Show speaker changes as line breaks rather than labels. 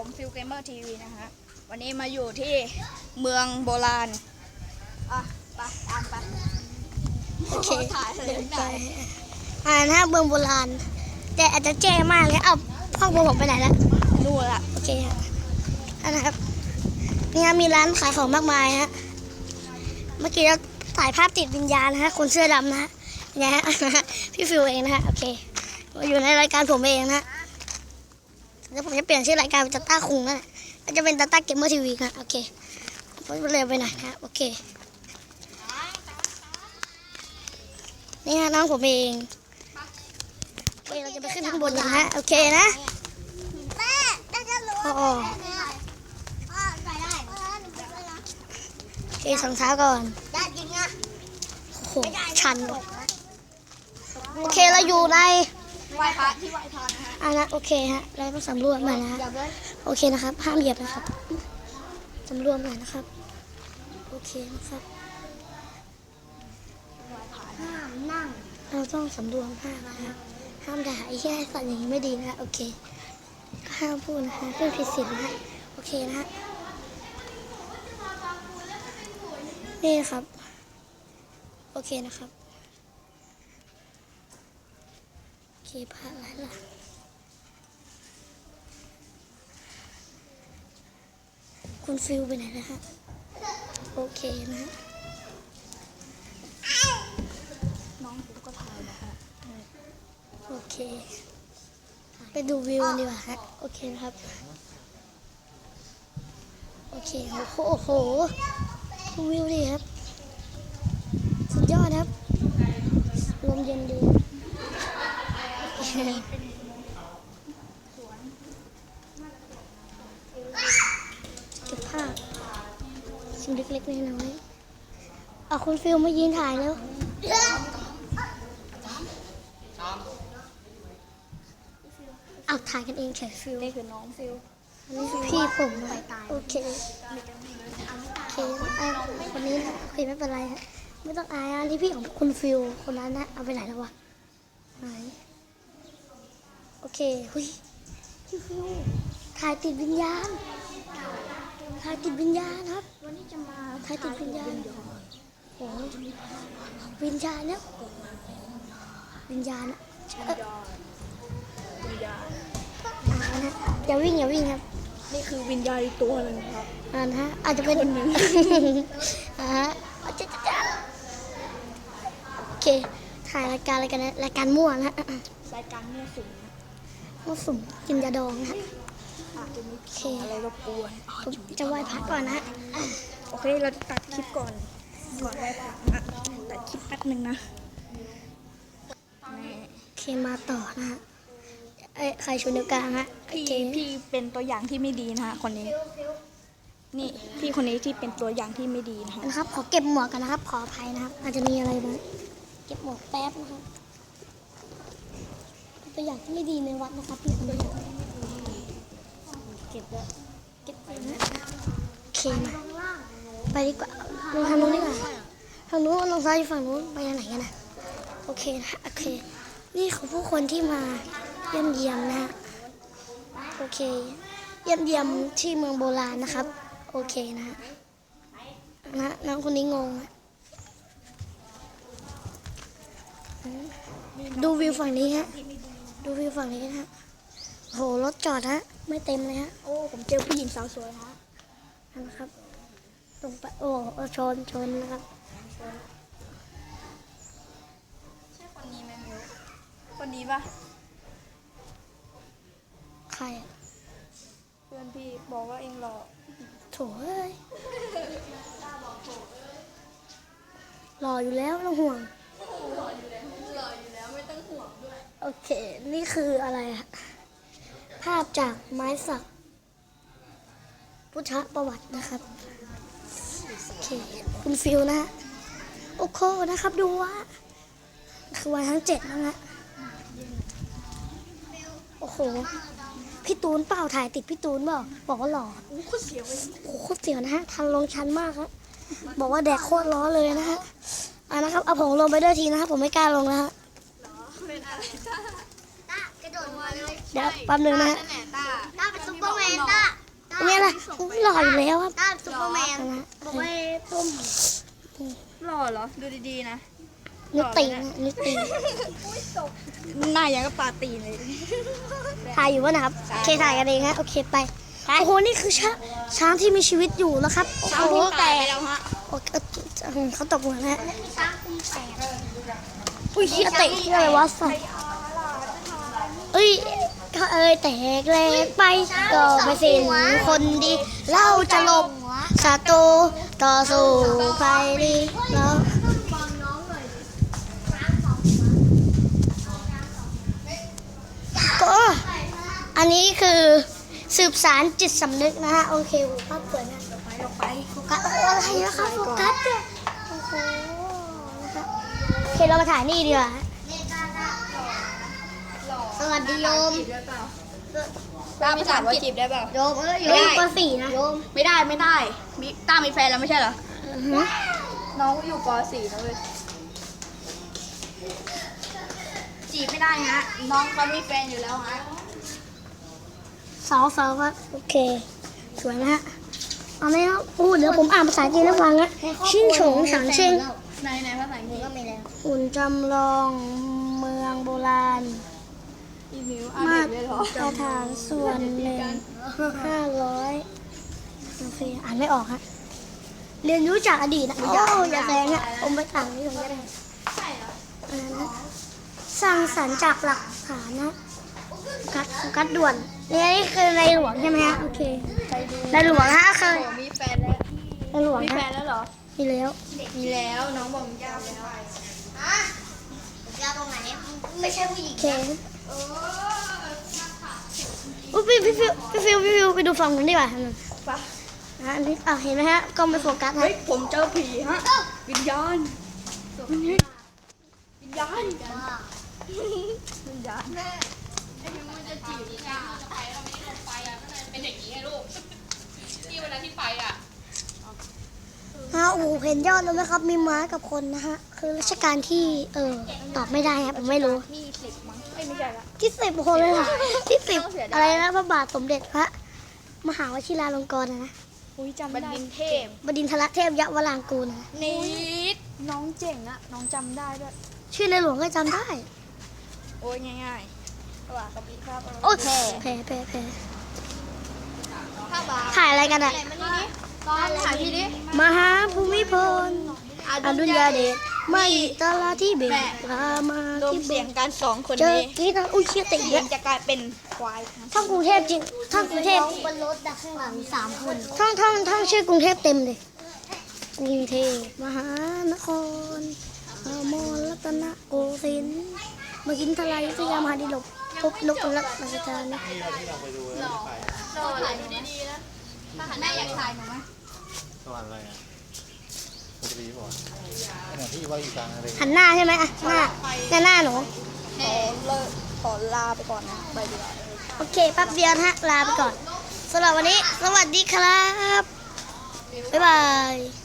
ผมฟิลเกมเมอร์ทีวีนะฮะวันนี้มาอยู่ที่เมืองโบราณไปตามไปโอเคถ่ายเลยไป
นะเมืองโบราณแต่อาจจะแจ้มากเลยเอาพ่อผมไปไหนแล้ว
นู่นละ
โอเคฮะนะครับนี่ฮะมีร้านขายของมากมายฮะเมื่อกี้เราถ่ายภาพติดวิญญาณนะฮะคนเสื้อดำนะฮะเนี่ยฮะพี่ฟิวเองนะฮะโอเคอยู่ในรายการผมเองนะแล้วผมจะเปลี่ยนชื่อรายการเป็นตาต้าคุงนะจะเป็นตาต้าเกมเมอร์ทีวีนะโอเคผมเร็วไปหน่อยนะโอเคนี่ฮะน้องผมเองโอเคเราจะไปขึ้นข้างบนกันฮะโอเคนะโอ้โอเคสองเท้าก่อนโอ้โหชันโอเคเราอยู่ใน
ไหว้พระที่ไหว้พระนะฮะ
นะโอเคฮะเราต้องสำรวจหน่อยนะฮะโอเคนะครับห้ามเหยียบนะครับสำรวจหน่อยนะครับโอเคนะครับห้ามนั่งเราต้องสำรวจห้ามนะครับห้ามด่าไอ้แย่สัตว์อย่างนี้ไม่ดีนะโอเคห้ามพูดนะคะเรื่องผิดศีลนะฮะโอเคนะฮะนี่ครับโอเคนะครับโอเคพาอะไรล่ะคุณฟิลไปไหนนะฮะโอเคนะฮะ
น้องผมก็ถ่ายนะฮะ
โอเคไปดูวิวดีกว่าฮะโอเคนะครับโอเคโอ้โหดูวิวดีครับสุดยอดครับลมเย็นดีเก็บภาพสิ่งเล็กๆน้อยๆเอาคุณฟิลมายืนถ่ายแล้วเอาถ่ายกันเองเฉยฟิล
นี่คือน้องฟิล
อันนี้คือพี่ผมโอเคโอเคคนนี้นะโอเคไม่เป็นไรฮะไม่ต้องอายอันนี้พี่ของคุณฟิลคนนั้นนะเอาไปไหนแล้ววะไหนโอเคหุยพี่ฟิลถ่ายติดวิญญาณถ่ายติดวิญญาณครับ
วันนี้จะมา
ถ่ายติดวิญญาณโอ้วิญญาณเนี่ยวิญญาณนะอย่าวิ่งครับ
นี่คือวิญญาณตัวหนึ่งครับ
นะฮะอาจจะเป็น
คนหนึ่ง
ฮะโอเคถ่ายรายการอะไรกันนะรายการมั่วนะ
รายการมั่วสุม
มั่วสุมกินยาดองนะ
อาจจะมี
โอเค
อะไรรบกวน
ผมจะไหว้พระก่อนนะ
โอเคเราจะตัดคลิปก่อนไหว้พระนะตัดคลิปแป๊บนึงนะ
โอเคมาต่อนะฮะใครชูนิ้วกลางฮะ
พี่เป็นตัวอย่างที่ไม่ดีนะฮะคนนี้นี่พี่คนนี้ที่เป็นตัวอย่างที่ไม่ดี
นะครับขอเก็บหมวกกันนะครับขออภัยนะครับอาจจะมีอะไรบ้างเก็บหมวกแป๊บนะครับตัวอย่างที่ไม่ดีในวัดนะครับพี่คนนี้เก็บแล้วเก็บไปนะโอเคมาไปดีกว่าลงทางนู้นดีกว่าทางนู้นลงซ้ายอยู่ฝั่งนู้นไปทางไหนกันนะโอเคนะโอเคนี่คือผู้คนที่มาเยี่ยมนะฮะโอเคเยี่ยมที่เมืองโบราณนะครับโอเคนะน้องคนนี้งงดูวิวฝั่งนี้ฮะดูวิวฝั่งนี้นะฮะโหรถจอดฮะไม่เต็มเลยฮะ
โอ้ผมเจอผู้หญิงสาวสวยฮะ
นะครับลงไปโอ้ชนนะครับ
ใช่คนนี้ไหมมิวคนนี้ปะ
ใคร
เพื่อนพี่บอกว่าเองหล่อ
โถเอ้ยรออยู่แล้วไม่ต้องห่วง
รออยู่แล้วไม่ต้องห่วงด้วย
โอเคนี่คืออะไรอะภาพจากไม้สักพุทธประวัตินะครับโอเคคุณฟิลนะฮะโอ้โหนะครับดูว่าคือวันทั้ง7นะฮะโอ้โหพี่ตูนเปล่าถ่ายติดพี่ตูนเปล่าบอกว่าหล่อ
โอ้โคตรเสียวเลย
โอ้โคตรเสียวนะฮะทันลงชันมากครับบอกว่าแดกโคตรล้อเลยนะฮะนะครับเอาผมลงไปด้วยทีนะครับผมไม่กล้าลงนะฮะ
เป็นอะไรต้ากระโดดมาเลย
เดี๋ยวแป๊บนึงนะฮะ
ต้าเป็นซุปเปอร์แมนต้า
ออยู่แล้วครับ
ต้านซุปเปอร์แมน
นะ
บอกว่าต้มหล่อเหรอ ดูดีๆนะ
นิตินะนิติ
หน้าอย่างกับปลาตีนเลย
ถ่ายอยู่วะนะครับโอเคถ่ายกันเองฮะโอเคไปโอ้โหนี่คือช้างที่มีชีวิตอยู่แล้วครับโอ้
ช้าง
โห
ที่ตายไปแล้วฮะ
โอ้เขาตกหัวนะฮะอุ้ยเฮียเตะเฮียอะไรวะสัตว์เอ้ยก็แตกแหลกไปก็ไม่สิ้นคนดีเราจะหลบศัตรูต่อสู้ไปดีแล้วก็อันนี้คือสืบสารจิตสำนึกนะฮะโอเคภาพสวยนะไปโฟกัสอะไรนะครับโฟกัสเนี่ยโอ้โหนะครับโอเคเรามาถ่ายนี่ดีกว่าฮะสวัสดีโยม
ต้าภาษาว่าจีบได้เปล่า
โยมโยมป .4 นะโยม
ไม่ได้มีต้ามีแฟนแล้วไม่ใช่เหรอ น้องอยู่ป .4 นะเว้ย จีบไม่ได้ฮะ น้องเขามีแฟนอยู่แล้วฮะ
สาวครับโอเคสวยนะฮะเอาไหมครับพูดเดี๋ยวผมอ่านภาษาจีนให้ฟังนะชิ่งฉงฉางเชิง
ในภาษาอังกฤษก็มีแล้ว
หุ่นจำลองเมืองโบราณ
อีมิว
มา
เด็กเลยเหรอ
ตรฐานส่วนหนึ่ง500โอเคอ่านไม่ออกฮะเรียนรู้จากอดีตนะอย่าแซงฮะผมไปต่างนี่ตรงนี้ได้นะสร้างสรรค์จากหลักฐานนะกัดด่วนนี่คือในหลวงใช่ไหมฮะโอเคในหลวงฮะคือ
โอ้มีแฟนแล้ว
ในหลวง
มีแฟ
ฮะ
นแล้วเหรอ
มีแล้ว
มีแล้ว น้องบอกมีแฟนแล้วยาวตรงไหนไม่ใช่ผู้หญิง
โอเคอุ๊ยพี่ฟิวไปดูฝั่งนู้นดีกว่าฮะ
ปะ
อันนี้เห็นไหมฮะกล้องไม่โฟกัสฮะ
เฮ้ย ผมเจอผีฮะ วิญญาณ วิญญาณ วิญญาณแม่ไอ้มิวมันจะจีบจ้า
ฮะโอ้โหเห็นยอดแล้วไหมครับ มีม้ากับคนนะฮะ คือราชการที่ตอบไม่ได้ครับผมไม่รู้
ที่10มั้งไม่ใช่ละ
ที่10คนเลยค่ะที่10อะไรนะพระบาทสมเด็จพระมหาวชิราลงกรณ์นะ
อุ้ยจำบัณฑิตเทพ
บดินทรเทพยวรางกูลนะ
นิดน้องเจ๋งอะน้องจำได้ด้วย
ชื่อในหลวงก็จำได้
โอ้ยง่ายๆว่ากับพี่ภาพ
โอ้ย
แพ้
แพ้
ภาพบา
ถ่ายอะไรกันอะ
มานี่ดิตอนถ่ายพี่ดิ
มหาภูมิพลอดุลยเดชไม่ตลาที่เบตรามา
รวม
ที่เบ
เสีย
ต
งกัน2 คน
เจอ
นี้
กี้นะอุ้ยเชี่ยติด
เสี
เย
ยง
อะ
จะกลายเป็นควาย
ท่องกรุงเทพจริงท่องกรุงเทพ
บนรถดักข้างหลัง3 คน
ท่องชื่อกรุงเทพเต็มเลยกรุงเทพมหานครอมรรัตนโกสินทร์มากินทลายสยามหาดิลกพบนกรักราชการนะ
รอถ่ายดูดีๆนะแม่อยากถ่ายหนูไหม
สวรรค์อะไรอ่ะปกติบอกเนี่ยพี่ว่าอยู่กลางอะไร
หันหน้าใช่ไหมอ่ะหน้าหนู
ขอลาไปก่อนนะไปดีกว่า
โอเคแป๊บเดียวนะฮะลาไปก่อนสำหรับวันนี้สวัสดีครับบ๊ายบาย